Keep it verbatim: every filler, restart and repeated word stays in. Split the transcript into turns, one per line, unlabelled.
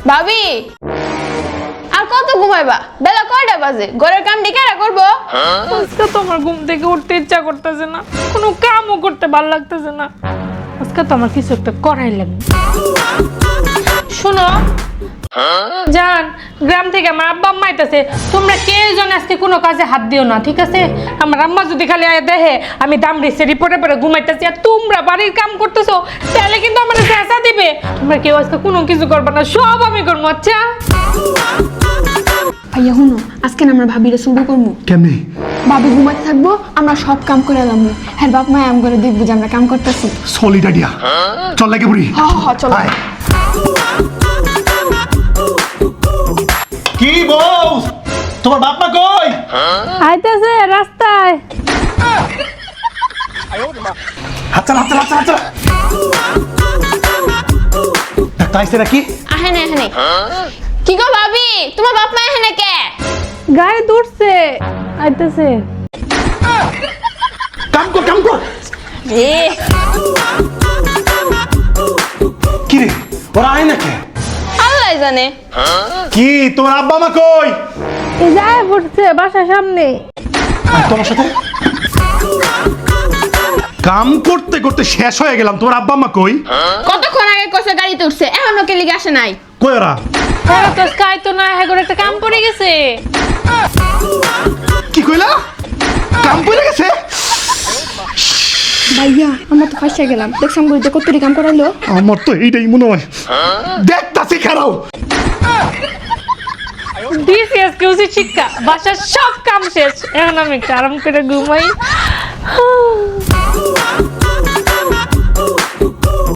ভাবি আর কত ঘুমাইবা? বেলা কয়টা বাজে? ঘরের কাম কেরা করবো?
আজকে তো আমার ঘুম থেকে উঠতে ইচ্ছা করতেছে না, কোনো কামও করতে ভালো লাগতেছে না। আজকে তো আমার কিছু একটা করাই লাগবে। শোনো জান, গ্রাম থেকে আমার আব্বা আম্মা আইতাছে, তোমরা কেউ জন আজকে কোনো কাজে হাত দিও না, ঠিক আছে? আমার আম্মা যদি খালি আয় দেখে আমি দামড়ি সেরি পরে পরে ঘুমাইতেছি আর তোমরা বাড়ির কাম করতেছো, তাহলে কিন্তু আমার চেঁচা দিবে। তোমরা কেউ আজকে কোনো কিছু করবে না, সব আমি করবো। আচ্ছা
ভাইয়া হুনো, আজকে না আমরা ভাবিরে শুরু করবো।
কেমনি?
ভাবি ঘুমাতে থাকবো, আমরা সব কাম করে এলাম। হ্যাঁ বাপ মা আম করে দেখবো যে আমরা কাম করতেছি।
সলিড আইডিয়া, চল লাগে বুড়ি।
হ হ চলো।
কি বউ, তোমার বাপ মা কই?
আইতাছে রাস্তায়।
হাত চালা, হাত চালা, হাত চালা, হাত চালা। ডাক্তার আইছে নাকি?
আহে না এখানে। কি গো ভাবি, তোমার বাপ মা এখানে কে?
গায়ে দৌড়ছে, আইতাছে।
কাম কর, কাম কর।
রে
কি রে, ওরা আয় নাকি?
আল্লাহ জানে।
কি তোমার আব্বা মা কই?
এই যায় পড়ছে বাসার সামনে।
আর তোমার সাথে কাম করতে করতে শেষ হয়ে গেলাম। তোমার আব্বা মা কই?
কতক্ষণ আগে কইছে গাড়িতে উঠছে, এখনো কে লিগে আসে নাই?
কই ওরা?
ওরা তো স্কাই তো না, হ্যাঁ করে একটা কাম পড়ে গেছে।
কি কইলা? কাম পড়ে গেছে?
ভাইয়া আমরা তো ফাঁসে গেলাম। দেখছাম বুঝতে কতটি কাম করাইলো।
আমার তো এইটাই মনে হয়। দেখতাছি খারাও।
ডিসিএস কিউসি শিক্ষা, বাসার সব কাম শেষ, এখন আমি একটু আরাম করে ঘুমাই।